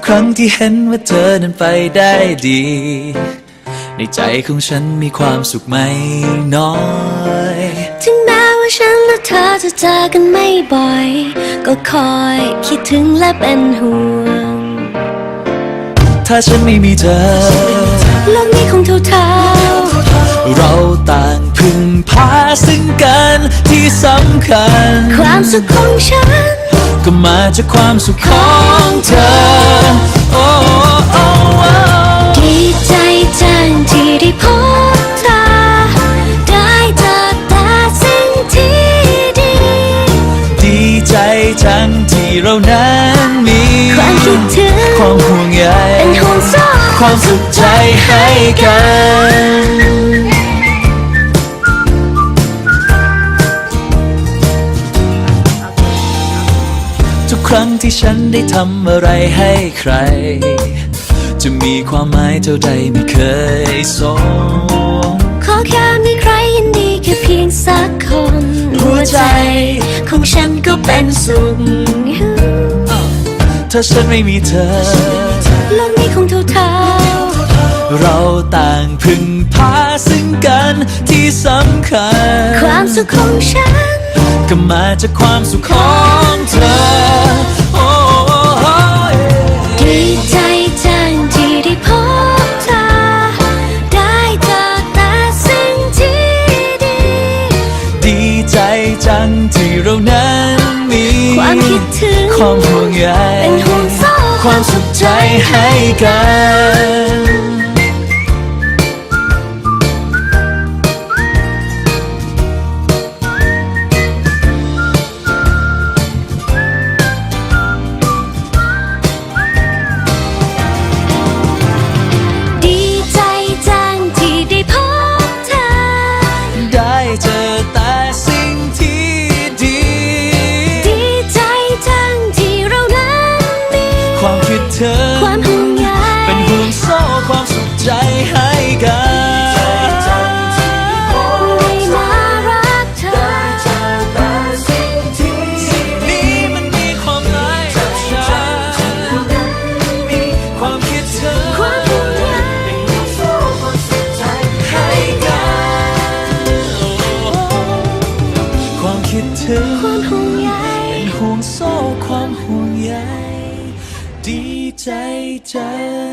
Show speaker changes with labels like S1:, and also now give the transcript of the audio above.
S1: ครั้งที่เห็นว่าเธอนั้นไปได้ดีในใจของฉันมีความสุขไม่น้อย
S2: ถึงแม้ว่าฉันและเธอจะเจอกันไม่บ่อยก็คอยคิดถึงและเป็นห่วง
S1: ถ้าฉันไม่มีเธอ
S2: โลกนี้คงเท่าๆ
S1: เราต่างพึ่งพาซึ่งกันที่สำคัญ
S2: ความสุขของฉัน
S1: ก็มาจากความสุขของเธอโอ้โอ้
S2: ดีใจจังที่ได้พบเธอได้เจอแต่สิ่งที่ดี
S1: ดีใจจังที่เรานั้นมี
S2: ความคิดถึง
S1: ความห่วงใย
S2: เป็นห่วงโซ่
S1: ความสุขใจให้กันทุกครั้งที่ฉันได้ทำอะไรให้ใครจะมีความหมายเท่าใดไม่เคยสง
S2: ขอแค่มีใครยินดีแค่เพียงสักคนหัวใจของฉันก็เป็นสุข
S1: ถ้าฉันไม่มีเธอ
S2: โลกนี้คงเท่า
S1: ๆเราต่างพึ่งพาซึ่งกันที่สำคัญ
S2: ความสุขของฉัน
S1: ก็มาจากความสุขของเธอโอ้
S2: ดีใจจังที่ได้พบเธอได้เจอแต่สิ่งที่ดี
S1: ดีใจจังที่เรานั้นมี
S2: ความคิดถึง
S1: ความห่วงใย
S2: เป็นห่วงโซ่
S1: ความสุขใจให้กัน
S2: ความห่วงใย
S1: เป็นห่วงโซ่ความสุขใจให้กัน
S2: ได้มารักเธอ
S1: นี้มันมีความหมายกับฉันมีความคิดถึง
S2: ความห่วงใย
S1: เป็นห่วงโซ่ความสุขใจให้กันความคิดถึง
S2: ความห่วงใย
S1: เป็นห่วงโซ่ความห่วงใยดีใจจัง